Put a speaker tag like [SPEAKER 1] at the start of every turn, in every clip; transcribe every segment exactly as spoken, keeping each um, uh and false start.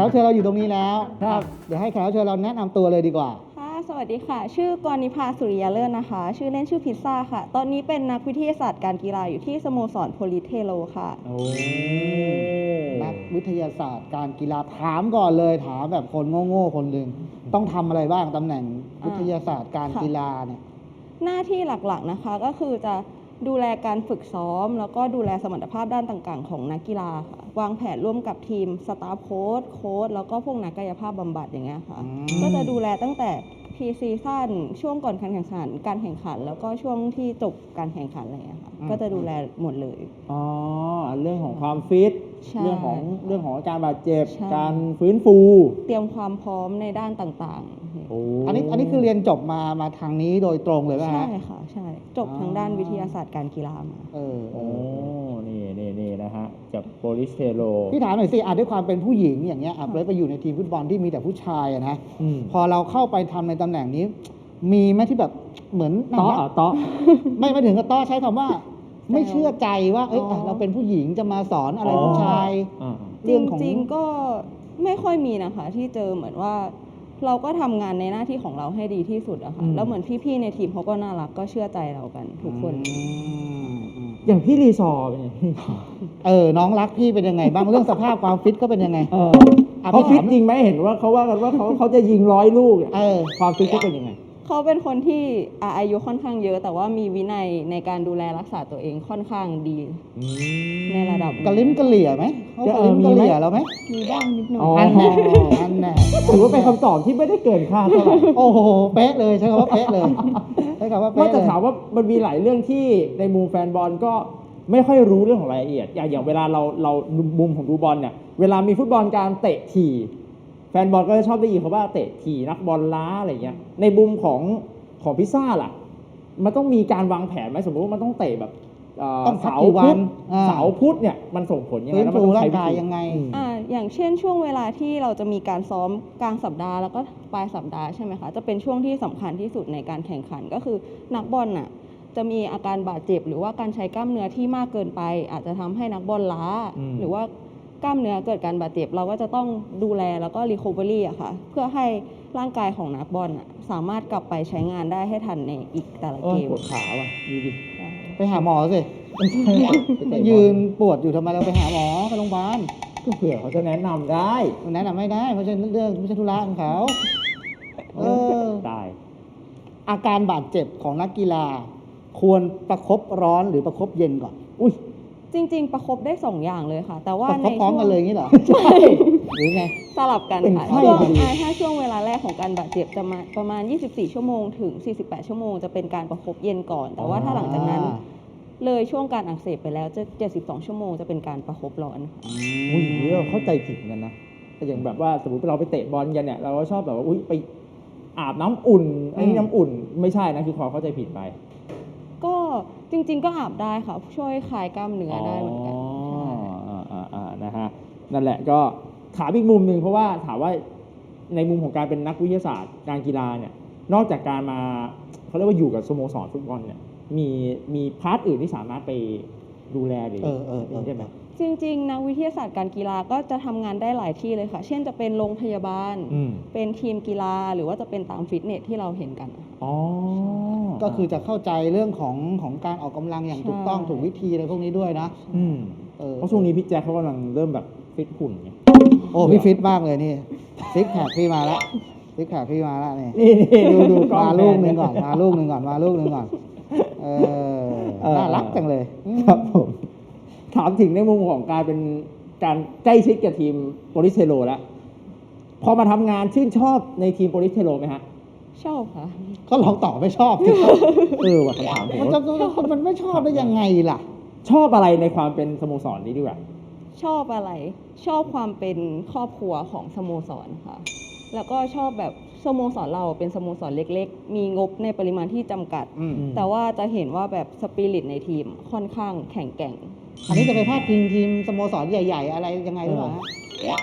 [SPEAKER 1] รับเชิญเราอยู่ตรงนี้แล้ว
[SPEAKER 2] ครับ
[SPEAKER 1] เดี๋ยวให้แขกรับเชิญเราแนะนำตัวเลยดีกว่า
[SPEAKER 3] ค่ะสวัสดีค่ะชื่อกรณิภาสุริยาเลิศนะคะชื่อเล่นชื่อพิซซ่าค่ะตอนนี้เป็นนักวิทยาศาสตร์การกีฬาอยู่ที่สโมสรโพลิสเทโลค่ะ
[SPEAKER 2] โอ้
[SPEAKER 1] นักวิทยาศาสตร์การกีฬาถามก่อนเลยถามแบบคนโง่ๆคนหนึ่งต้องทำอะไรบ้างตำแหน่งวิทยาศาสตร์การกีฬาเนี่ย
[SPEAKER 3] หน้าที่หลักๆนะคะก็คือจะดูแลการฝึกซ้อมแล้วก็ดูแลสมรรถภาพด้านต่างๆของนักกีฬาค่ะวางแผนร่วมกับทีมสตาฟโค้ชโค้ชแล้วก็พวกนักกายภาพบำบัดอย่างเงี้ยค่ะก็จะดูแลตั้งแต่พรีซีซั่นช่วงก่อนการแข่งขันการแข่งขันแล้วก็ช่วงที่จบการแข่งขันอะไรอย่างเงี้ยค่ะก็จะดูแลหมดเลย
[SPEAKER 2] อ๋อเรื่องของความฟิตเรื่องของเรื่องของการบาดเจ็บการฟื้นฟู
[SPEAKER 3] เตรียมความพร้อมในด้านต่างๆ
[SPEAKER 1] อันนี้อันนี้คือเรียนจบมามาทางนี้โดยตรงเลยป่ะฮะ
[SPEAKER 3] ใช่ค่ะใช่จบทางด้านวิทยาศาสตร์การกีฬามา
[SPEAKER 1] เออ
[SPEAKER 2] โอ้นี่นี่นี่นะฮะจากโปลิสเทโล
[SPEAKER 1] พี่ถามหน่อยสิอาจด้วยความเป็นผู้หญิงอย่างเงี้ยอ่ะเลยไปอยู่ในทีมฟุตบอลที่มีแต่ผู้ชายอะนะพอเราเข้าไปทำในตำแหน่งนี้มีไหมที่แบบเหมือน
[SPEAKER 2] ต้อต้อ
[SPEAKER 1] ไม่ไม่ถึงกับต้อใช้คำว่าไม่เชื่อใจว่าเอ้ยเราเป็นผู้หญิงจะมาสอนอะไรผู้ชาย
[SPEAKER 3] จริงๆก็ไม่ค่อยมีนะคะที่เจอเหมือนว่าเราก็ทำงานในหน้าที่ของเราให้ดีที่สุดอะค่ะแล้วเหมือนพี่ๆในทีมเขาก็น่ารักก็เชื่อใจเรากันทุกคน
[SPEAKER 2] อย่างพี่รีซอร์เป็นไง
[SPEAKER 1] เออน้องรักพี่เป็นยังไงบ้างเรื่องสภาพความฟิตก็เป็นยังไง
[SPEAKER 2] เขาฟิตจริงไหมเห็นว่าเขาว่ากันว่าเขาเขาจะยิงร้อยลูก
[SPEAKER 1] เออ
[SPEAKER 2] ความฟิตเขาเป็นยังไง
[SPEAKER 3] เขาเป็นคนที่อายุค่อนข้างเยอะแต่ว่ามีวินัยในการดูแลรักษาตัวเองค่อนข้างดีในระดับ
[SPEAKER 1] กระลิ้มกระเหลี่ยไหมเขากระลิ้มกระเหลี่ยเราไหม
[SPEAKER 3] มีบ้างนิดหน่อย
[SPEAKER 1] อันแน่อันแน่
[SPEAKER 2] ถือว่าเป็นคำตอบที่ไม่ได้เกินคาดเท่าไหร่
[SPEAKER 1] โอ้โหเป๊ะเลยใช่คำว่าเป๊ะเลยใช่คำว่าเป๊ะ
[SPEAKER 2] ว่าจะถามว่ามันมีหลายเรื่องที่ในมุมแฟนบอลก็ไม่ค่อยรู้เรื่องของรายละเอียดอย่างอย่างเวลาเราเรามุมของดูบอลเนี่ยเวลามีฟุตบอลการเตะถี่แฟนบอลก็จะชอบได้ยินเขาว่าเตะถี่นักบอลล้าอะไรเงี้ยในมุมของของพิซซ่าล่ะมันต้องมีการวางแผนไหมสมมติว่ามันต้องเตะแบบเสาพุธเสาพุธเนี่ยมันส่งผลยังไง
[SPEAKER 1] แล้วมันต้องใช้วิธียังไง
[SPEAKER 3] อ่าอย่างเช่นช่วงเวลาที่เราจะมีการซ้อมกลางสัปดาห์แล้วก็ปลายสัปดาห์ใช่ไหมคะจะเป็นช่วงที่สำคัญที่สุดในการแข่งขันก็คือนักบอลน่ะจะมีอาการบาดเจ็บหรือว่าการใช้กล้ามเนื้อที่มากเกินไปอาจจะทำให้นักบอลล้าหรือว่ากล้ามเนื้อเกิดการบาดเจ็บเราก็จะต้องดูแลแล้วก็รีคอเวอรี่อะค่ะเพื่อให้ร่างกายของนักบอลสามารถกลับไปใช้งานได้ให้ทันในอีกแต่ละเกม
[SPEAKER 2] ปวดขาว่ะดูดิ
[SPEAKER 1] ไปหาหมอสิยืนปวดอยู่ทำไมเราไปหาหมอไปโรงพยาบาล
[SPEAKER 2] ก็เผื่อเขาจะแนะนำได้
[SPEAKER 1] แนะนำไม่ได้เพราะฉะนั้นเรื่องไม่ใช่ธุระของเขา
[SPEAKER 2] เออได้
[SPEAKER 1] อาการบาดเจ็บของนักกีฬาควรประคบร้อนหรือประคบเย็นก่อนอุ้ย
[SPEAKER 3] จริงๆประคบได้สองอย่างเลยค่ะแต่ว่า
[SPEAKER 1] ในพร้อมกันเลยงี้เหรอ
[SPEAKER 3] ใช่
[SPEAKER 1] หรือไง
[SPEAKER 3] สลับกันค่ะช่วงถ้าช่วงเวลาแรกของการบาดเจ็บจะมาประมาณยี่สิบสี่ชั่วโมงถึงสี่สิบแปดชั่วโมงจะเป็นการประคบเย็นก่อนแต่ว่าถ้าหลังจากนั้นเลยช่วงการอักเสบไปแล้วจะเจ็ดสิบสองชั่วโมงจะเป็นการประคบร้อน
[SPEAKER 2] อุ้ยเราเข้าใจผิดกันนะแต่อย่างแบบว่าสมมติเราไปเตะบอลกันเนี่ยเราก็ชอบแบบว่าอุ้ยไปอาบน้ำอุ่นไอ้นี่น้ำอุ่นไม่ใช่นะคือความเข้าใจผิดไป
[SPEAKER 3] ก็จริงๆก็อาบได้ค่ะช่วยคลายกล้ามเนื้อได้เหมือนกัน
[SPEAKER 2] อ๋ออ่าๆนะฮะนั่นแหละก็ถามอีกมุมหนึ่งเพราะว่าถามว่าในมุมของการเป็นนักวิทยาศาสตร์การกีฬาเนี่ยนอกจากการมาเขาเรียกว่าอยู่กับสโมสรฟุตบอลเนี่ยมีมีพาร์ทอื่นที่สามารถไปดูแลหรือใช่ไหม
[SPEAKER 3] จริงๆนักวิทยาศาสตร์การกีฬาก็จะทำงานได้หลายที่เลยค่ะเช่นจะเป็นโรงพยาบาลเป็นทีมกีฬาหรือว่าจะเป็นตามฟิตเนสที่เราเห็นกัน
[SPEAKER 1] อ๋อก็คือจะเข้าใจเรื่องของของการออกกำลังอย่างถูกต้องถูกวิธีอะไรพวกนี้ด้วยนะ
[SPEAKER 2] อืมเพราะช่วงนี้พี่แจ๊คเขากำลังเริ่มแบบฟิตหุ่นไง
[SPEAKER 1] โอ้พี่ฟิตมากเลยนี่ซิกแพคพี่มาแล้วซิกแพคพี่มาแล้วนี่ดูดูมาลูกนึงก่อนมาลูกนึงก่อนมาลูกนึงก่อนเออน่ารักจังเลย
[SPEAKER 2] ครับผมถามถึงในมุมของการเป็นการใกล้ชิดกับทีมโปลิสเทโลแล้วพอมาทำงานชื่นชอบในทีมโปลิสเทโลไหมฮะ
[SPEAKER 3] ชอบค่ะ
[SPEAKER 1] ก็ลองตอบไม่ชอบเออว่าคำถามผมมันจะมันไม่ชอบได้ยังไงล่ะ
[SPEAKER 2] ชอบอะไรในความเป็นสโมสรนี้ดีกว่า
[SPEAKER 3] ชอบอะไรชอบความเป็นครอบครัวของสโมสรค่ะแล้วก็ชอบแบบสโมสรเราเป็นสโมสรเล็กๆมีงบในปริมาณที่จำกัดแต่ว่าจะเห็นว่าแบบสปิริตในทีมค่อนข้างแข็งแกร่ง
[SPEAKER 1] อันนี้จะไปพาดพิงทีมสโมสรใหญ่ๆอะไรยังไงหรือเปล่าฮะ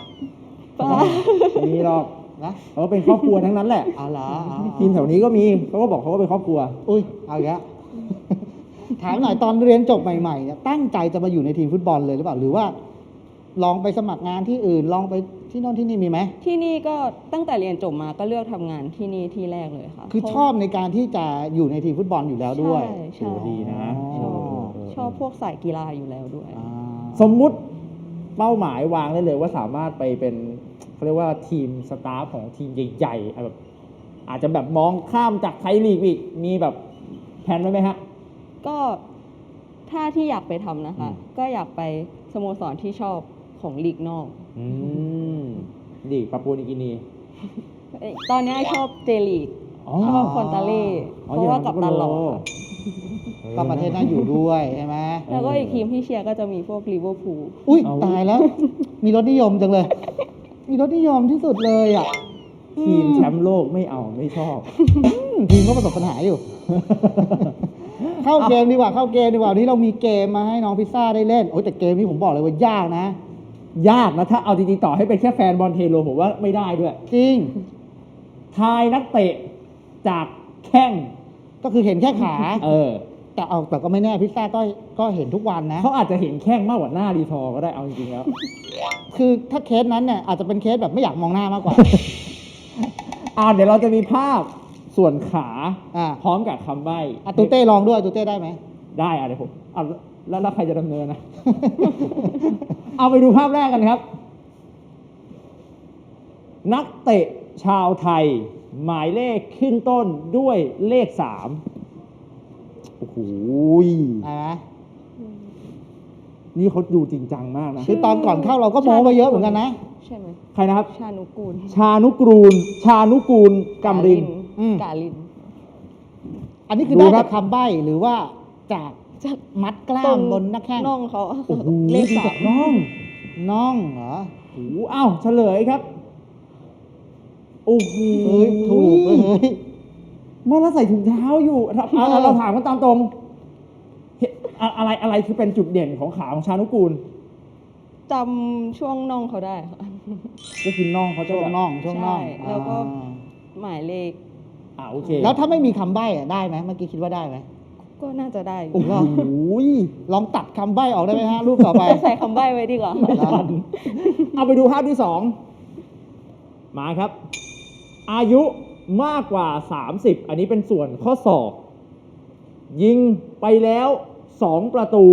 [SPEAKER 2] มีหรอกนะเขาเป็นครอบครัวทั้งนั้นแหละ
[SPEAKER 1] อ๋อเหรอ
[SPEAKER 2] ทีมแถวนี้ก็มีเขาก็บอกเขาก็เป็นครอบครัว
[SPEAKER 1] อุ้ยเอาอีกแล้วถามหน่อยตอนเรียนจบใหม่ๆเนี่ยตั้งใจจะมาอยู่ในทีมฟุตบอลเลยหรือเปล่าหรือว่าลองไปสมัครงานที่อื่นลองไปที่โน่นที่นี่มีไหม
[SPEAKER 3] ที่นี่ก็ตั้งแต่เรียนจบมาก็เลือกทำงานที่นี่ที่แรกเลยค่ะ
[SPEAKER 1] คือ
[SPEAKER 3] เพราะ
[SPEAKER 1] ชอบในการที่จะอยู่ในทีมฟุตบอลอยู่แล้วด้วย
[SPEAKER 3] ใช่ใช่
[SPEAKER 2] โอ้ดีนะ
[SPEAKER 3] ชอบ
[SPEAKER 2] เออ
[SPEAKER 3] ชอบพวกสายกีฬาอยู่แล้วด้วย
[SPEAKER 1] อ่า
[SPEAKER 2] สมมุติเป้าหมายวางได้เลยว่าสามารถไปเป็นเขาเรียกว่าทีมสตาฟของทีมใหญ่ๆแบบอาจจะแบบมองข้ามจากไทยลีกอีกมีแบบแผนไว้ไหมฮะ
[SPEAKER 3] ก็ถ้าที่อยากไปทำนะคะ
[SPEAKER 2] อืม
[SPEAKER 3] ก็อยากไปสโมสรที่ชอบของลีกนอก
[SPEAKER 2] อืมลีกปาปัวนิวกินี
[SPEAKER 3] เอ้ยตอนนี้ชอบเจลีก
[SPEAKER 2] อ๋อ
[SPEAKER 3] ชอบคอนตาเล่
[SPEAKER 2] อ๋อ
[SPEAKER 3] เพราะว่ากับตันหล่อ
[SPEAKER 2] อย่างนั้นก็โล
[SPEAKER 3] ค่ะ
[SPEAKER 1] ก็ประเทศน่าอยู่ด้วยใช่ไหม
[SPEAKER 3] แล้วก็อีกทีมที่เชียร์ก็จะมีพวกลิเวอร์พูล
[SPEAKER 1] อุ้ย
[SPEAKER 2] เอา
[SPEAKER 1] ตายแล้ว มีรสนิยมจังเลย มีรสนิยมที่สุดเลยอ่ะ
[SPEAKER 2] ทีมแชมป์โลกไม่เอาไม่ชอบ
[SPEAKER 1] อืมทีมก็ประสบปัญหาอยู่ เข้าเกมดีกว่าเข้าเกมดีกว่าวันนี้เรามีเกมมาให้น้องพิซซ่าได้เล่นโอ้ยแต่เกมนี้ผมบอกเลยว่ายากนะ
[SPEAKER 2] ยากนะถ้าเอาจริงๆต่อให้เป็นแค่แฟนบอลเทโลผมว่าไม่ได้ด้วย
[SPEAKER 1] จริง
[SPEAKER 2] ทายนักเตะจากแข้ง
[SPEAKER 1] ก็คือเห็นแค่ขา
[SPEAKER 2] เออ
[SPEAKER 1] แต่เอาแต่ก็ไม่แน่พิซซ่าก็ก็เห็นทุกวันนะ
[SPEAKER 2] เขาอาจจะเห็นแข้งมากกว่าหน้ารีทอร์ก็ได้เอาจริงๆแล้ว
[SPEAKER 1] คือถ้าเคสนั้นเนี่ยอาจจะเป็นเคสแบบไม่อยากมองหน้ามากกว่า
[SPEAKER 2] อ่าเดี๋ยวเราจะมีภาพส่วนขา
[SPEAKER 1] อ่า
[SPEAKER 2] พร้อมกับคำใบ้
[SPEAKER 1] อ่ะตูเต้ลองด้วยตูเต้ได้ไหม
[SPEAKER 2] ได้อ่ะเดี๋ยวผมเอาแล้วแล้วใครจะดำเนินนะ เอาไปดูภาพแรกกันครับ นักเตะชาวไทย หมายเลขขึ้นต้นด้วยเลขสามโอ้โห
[SPEAKER 1] ได้ไหม
[SPEAKER 2] นี่เขาดูจริงจังมากนะ
[SPEAKER 1] คือตอนก่อนเข้าเราก็โม้ไปเยอะเหมือนกันนะ
[SPEAKER 3] ใช่ไหม
[SPEAKER 2] ใครนะครับ
[SPEAKER 3] ชานุกูล
[SPEAKER 2] ชานุกรูล ชานุกูลกำริน
[SPEAKER 1] อืม
[SPEAKER 3] กาลิน
[SPEAKER 1] อันนี้คือ
[SPEAKER 2] ดู
[SPEAKER 1] ได้
[SPEAKER 2] ครั
[SPEAKER 1] จา
[SPEAKER 2] บ
[SPEAKER 1] กคำใบ้หรือว่าจาก
[SPEAKER 3] จาก
[SPEAKER 1] มัดกล้า
[SPEAKER 3] ตร
[SPEAKER 1] ม
[SPEAKER 3] ง
[SPEAKER 1] บนหน้าแข้ง
[SPEAKER 3] น่องเขา
[SPEAKER 2] โอ้โห
[SPEAKER 3] เลข
[SPEAKER 2] ดู
[SPEAKER 3] สา
[SPEAKER 2] จาก
[SPEAKER 3] ม
[SPEAKER 2] น้อง
[SPEAKER 1] น่องเหรอ
[SPEAKER 2] โอ้โหอ้าวเฉลยครับ โอ้โห
[SPEAKER 1] เฮ้ยถูกเลยเฮ้ย
[SPEAKER 2] เมื่อเราใส่ถุงเท้าอยู่เรา
[SPEAKER 1] เออ
[SPEAKER 2] เราเราถามกันตามตรงเห็นอะอะไรอะไรคือเป็นจุดเด่นของขาของชานุกูล
[SPEAKER 3] จำช่วงน่องเขาได้ค่ะ
[SPEAKER 2] ก็คือน่องเขาจะ
[SPEAKER 1] ช่วง
[SPEAKER 2] แบบ
[SPEAKER 1] น่องช่วงน่อง
[SPEAKER 3] ใช่แล้วก็
[SPEAKER 1] อ่า
[SPEAKER 3] หมายเลข
[SPEAKER 2] อ่าโอเค
[SPEAKER 1] แล้วถ้าไม่มีคำใบ้อะได้ไหมเมื่อกี้คิดว่าได้ไหม
[SPEAKER 3] ก็น่าจะได้อยู่
[SPEAKER 2] โอ้โห
[SPEAKER 1] ลองตัดคำใบ้ออกได้ไหมฮะรูปต่อไป
[SPEAKER 3] ใส่คำใบ้ไว้ดีกว่า
[SPEAKER 2] ไม่ทันเอาไปดูภาพที่สองมาครับ อายุมากกว่า สามสิบ อันนี้เป็นส่วนข้อศอก ยิงไปแล้วสองประตู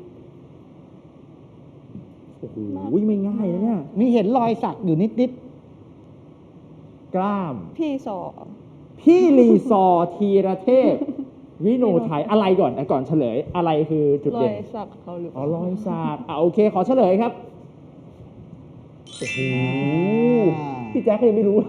[SPEAKER 2] โอ้โหไม่ง่ายนะเนี่ย
[SPEAKER 1] มีเห็นรอยสักอยู่นิดนิด
[SPEAKER 2] กล้าม
[SPEAKER 3] พี่สอ
[SPEAKER 2] พี่รีซอร์ธีรเทพ วิโนไทยอะไรก่อนอ่ะก่อนเฉลย อะไรคือจุด
[SPEAKER 3] รอ
[SPEAKER 2] เด่
[SPEAKER 3] ย
[SPEAKER 2] น
[SPEAKER 3] สักเขาหรือเป
[SPEAKER 2] อ๋อ
[SPEAKER 3] ล่าร
[SPEAKER 2] อยสักอ่ะโอเค ขอเฉลยครับ โอ้โห พี่แจ๊คก็ยังไม่รู้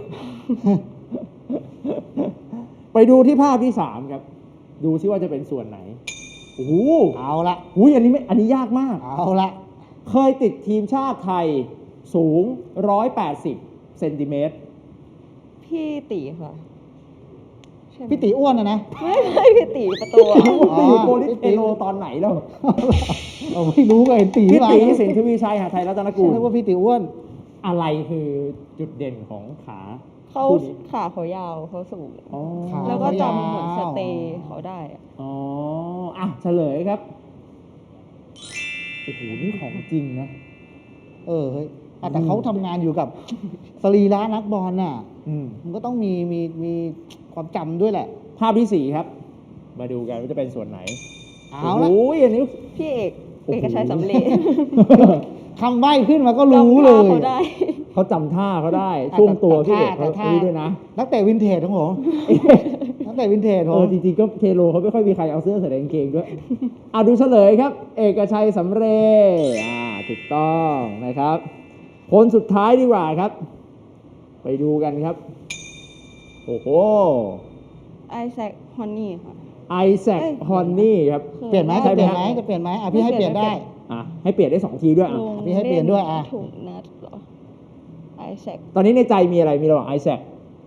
[SPEAKER 2] ไปดูที่ภาพที่สามครับ ดูซิว่าจะเป็นส่วนไหน โอ้โห
[SPEAKER 1] เอาละ
[SPEAKER 2] อุ้ยอันนี้ไม่ อันนี้ยากมาก
[SPEAKER 1] เอาละ
[SPEAKER 2] เคยติดทีมชาติไทยสูง หนึ่งร้อยแปดสิบ เซนติเมตร
[SPEAKER 3] พี่ตีค่ะใช่ไหม
[SPEAKER 1] พี่ตีอ้วนนะนะ
[SPEAKER 3] ไม่ไม่พี่ตีประตูอะ
[SPEAKER 1] อ๋อ
[SPEAKER 2] ไปอยู่โปลิสเทโลตอนไหนแล้ว
[SPEAKER 1] เราไม่รู้เลยตี
[SPEAKER 2] พี่
[SPEAKER 1] มา
[SPEAKER 2] ตีสินทวีชัยหาไทยรัตนกู
[SPEAKER 1] ฉัน
[SPEAKER 2] ล
[SPEAKER 1] นึกว่าพี่ตีอ้วน
[SPEAKER 2] อะไรคือจุดเด่นของขา
[SPEAKER 3] เขา
[SPEAKER 2] คู่นี้
[SPEAKER 3] ขาเขายาวเขาสูง
[SPEAKER 2] อ๋อ
[SPEAKER 1] ขา
[SPEAKER 3] แล้วก็
[SPEAKER 1] เขายาว
[SPEAKER 3] จำเหมือนสเตย์เขาได้อะ
[SPEAKER 2] อ๋อ อ่ะเฉลยครับ โอ้โห นี่ของจริงนะ
[SPEAKER 1] เออเฮ้ยอ่ะแต่เขาทำงานอยู่กับสรีระนักบอลน่ะ
[SPEAKER 2] อืม
[SPEAKER 1] มันก็ต้องมีมีมีความจำด้วยแหละ
[SPEAKER 2] ภาพที่สี่ครับ มาดูกันว่าจะเป็นส่วนไหน
[SPEAKER 1] เอาละ
[SPEAKER 2] โอ้ยอันนี้
[SPEAKER 3] พี่เอก
[SPEAKER 2] โอ้โห
[SPEAKER 3] เอกชัยสำเร็จ
[SPEAKER 1] คำใบ้ขึ้นมาก็รู้เลย
[SPEAKER 3] จำท่าเขาได้
[SPEAKER 2] เขาจำท่าเขาได้
[SPEAKER 1] อ่ะ
[SPEAKER 2] ช่วงตัว
[SPEAKER 1] แต่
[SPEAKER 2] พี่เอก
[SPEAKER 1] แต่
[SPEAKER 2] เขา
[SPEAKER 1] ท่า
[SPEAKER 2] อันนี้ด้วยนะ
[SPEAKER 1] นักเตะวินเทจของผม นักเตะวินเทจผ
[SPEAKER 2] เออ
[SPEAKER 1] ม
[SPEAKER 2] จริงๆก็เทโลเขาไม่ค่อยมีใครเอาเสื้อใส่ในกางเกงด้วย เอาดูเฉลยครับ เอกชัยสำเร็จอ่าถูกต้องนะครับ คนสุดท้ายดีกว่าครับ ไปดูกันครับ โอ้โห
[SPEAKER 3] ไอแซคฮอนนี่ค่ะ
[SPEAKER 2] ไอแซค
[SPEAKER 3] เอ้ย
[SPEAKER 2] ฮอนนี่ครับ
[SPEAKER 1] เปลี่ยนไหม
[SPEAKER 2] ใช่
[SPEAKER 1] จะ
[SPEAKER 2] ไหม
[SPEAKER 1] เปลี่ยนไหม
[SPEAKER 2] ฮะ
[SPEAKER 1] จะเปลี่ยนไหมอ่ะพี่ให้เปลี่ยนได้
[SPEAKER 2] อ่ะให้เปลี่ยนได้สองทีด้วยอ่ะ
[SPEAKER 3] ลง
[SPEAKER 1] พี่ให้เปลี่ยนด้วยอ่ะ
[SPEAKER 3] ถูกนัดเหรอไอแซค
[SPEAKER 2] ตอนนี้ในใจมีอะไรมีระหว่างไอแซค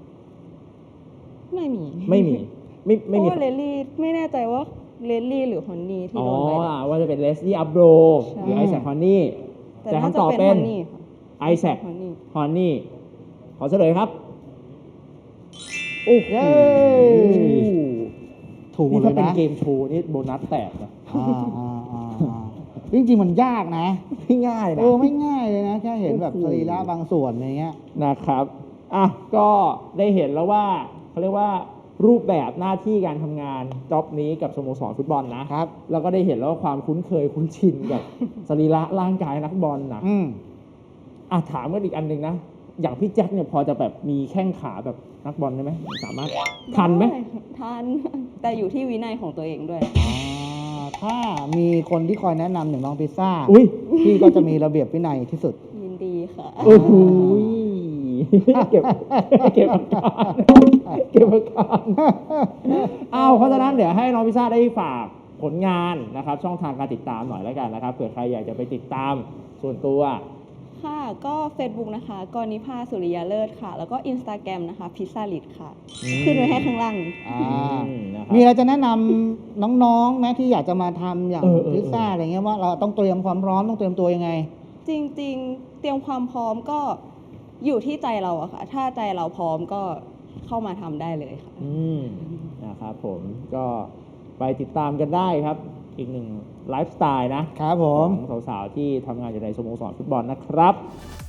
[SPEAKER 3] ไม่มี
[SPEAKER 2] ไม่มี ไม่
[SPEAKER 3] เพ
[SPEAKER 2] ไม่
[SPEAKER 3] ราะ
[SPEAKER 2] มี
[SPEAKER 3] ว่าเลลลี่ไม่แน่ใจว่าเลลลี่หรือฮอนนี่ที่
[SPEAKER 2] อ๋อ
[SPEAKER 3] โดนใบแดง
[SPEAKER 2] ว่าจะเป็นเลสลี่อัพโบร
[SPEAKER 3] ใช่
[SPEAKER 2] หรือไอแซคฮอนนี่
[SPEAKER 3] แต่
[SPEAKER 2] แต่
[SPEAKER 3] น่า
[SPEAKER 2] คำ
[SPEAKER 3] จะ
[SPEAKER 2] ตอบ
[SPEAKER 3] เป็น
[SPEAKER 2] เป็น
[SPEAKER 3] ฮอนนี่ค่ะ
[SPEAKER 2] ไอแซค
[SPEAKER 3] ฮอนนี่
[SPEAKER 2] ฮอนนี่ ขอเฉลยครับ โอ้โห
[SPEAKER 1] เย้ ถูกหม
[SPEAKER 2] นี่
[SPEAKER 1] ดเล
[SPEAKER 2] ถ้าย เป็น
[SPEAKER 1] นะ
[SPEAKER 2] เกมโชว์นี่โบนัสแตกนะ
[SPEAKER 1] อ่าอ่าอ่าอ่าจริงๆมันยากนะ
[SPEAKER 2] ไม่ง่ายนะ
[SPEAKER 1] เออไม่ง่ายเลยนะ แค่เห็นแบบ
[SPEAKER 2] โอ้โห
[SPEAKER 1] สรีระบางส่วนอะไรเงี้ย
[SPEAKER 2] นะครับอ่ะก็ได้เห็นแล้วว่าเขาเรียกว่ารูปแบบหน้าที่การทำงานจ็อบนี้กับสโมสรฟุตบอลนะครับ แล้วก็ได้เห็นแล้วว่าความคุ้นเคยคุ้นชินกับ สรีระร่างกายนักบอลนะ
[SPEAKER 1] อืม
[SPEAKER 2] อ่ะถามกันอีกอันหนึ่งนะ อย่างพี่แจ็คเนี่ยพอจะแบบมีแข้งขาแบบนักบอลได้ไหมสามารถทันไหม
[SPEAKER 3] ด้ทัน แต่อยู่ที่วินัยของตัวเองด้วย
[SPEAKER 1] อ่าถ้ามีคนที่คอยแนะนำอย่างน้องพิซซ่า
[SPEAKER 2] อุ้ย
[SPEAKER 1] พี่ก็จะมีระเบียบวินัยที่สุด
[SPEAKER 3] ยินดีค่ะ
[SPEAKER 2] โอ้โหเก็บเก็บอาการเก็บอาการอ้าวเพราะฉะนั้นเดี๋ยวให้น้องพิซซ่าได้ฝากผลงานนะครับ ช่องทางการติดตามหน่อยแล้วกันนะครับเผื่อใครอยากจะไปติดตามส่วนตัว
[SPEAKER 3] ค่ะ ก็ Facebook นะคะกรณิภาสุริยาเลิศค่ะ แล้วก็ Instagram นะคะพิซซ่าลิดค่ะ
[SPEAKER 2] อืม
[SPEAKER 3] ขึ้นไว้ให้ข้างล่าง
[SPEAKER 1] อ่า
[SPEAKER 2] อืมนะครับ
[SPEAKER 1] มีอะไรจะแนะนำน้องๆไหมที่อยากจะมาทำอย่าง
[SPEAKER 2] เออเออ
[SPEAKER 1] พิซซ่าอะไรเงี้ยว่าเราต้องเตรียมความพร้อมต้องเตรียมตัวยังไง
[SPEAKER 3] จริงๆ เตรียมความพร้อมก็อยู่ที่ใจเราอะค่ะ ถ้าใจเราพร้อมก็เข้ามาทำได้เลยค่ะ
[SPEAKER 2] อืมนะครับผมก็ไปติดตามกันได้ครับ อีกหนึ่งไลฟ์สไตล์นะครับ
[SPEAKER 1] ผม
[SPEAKER 2] ของสาวๆที่ทำงานอยู่ในสโมสรฟุตบอลนะครับ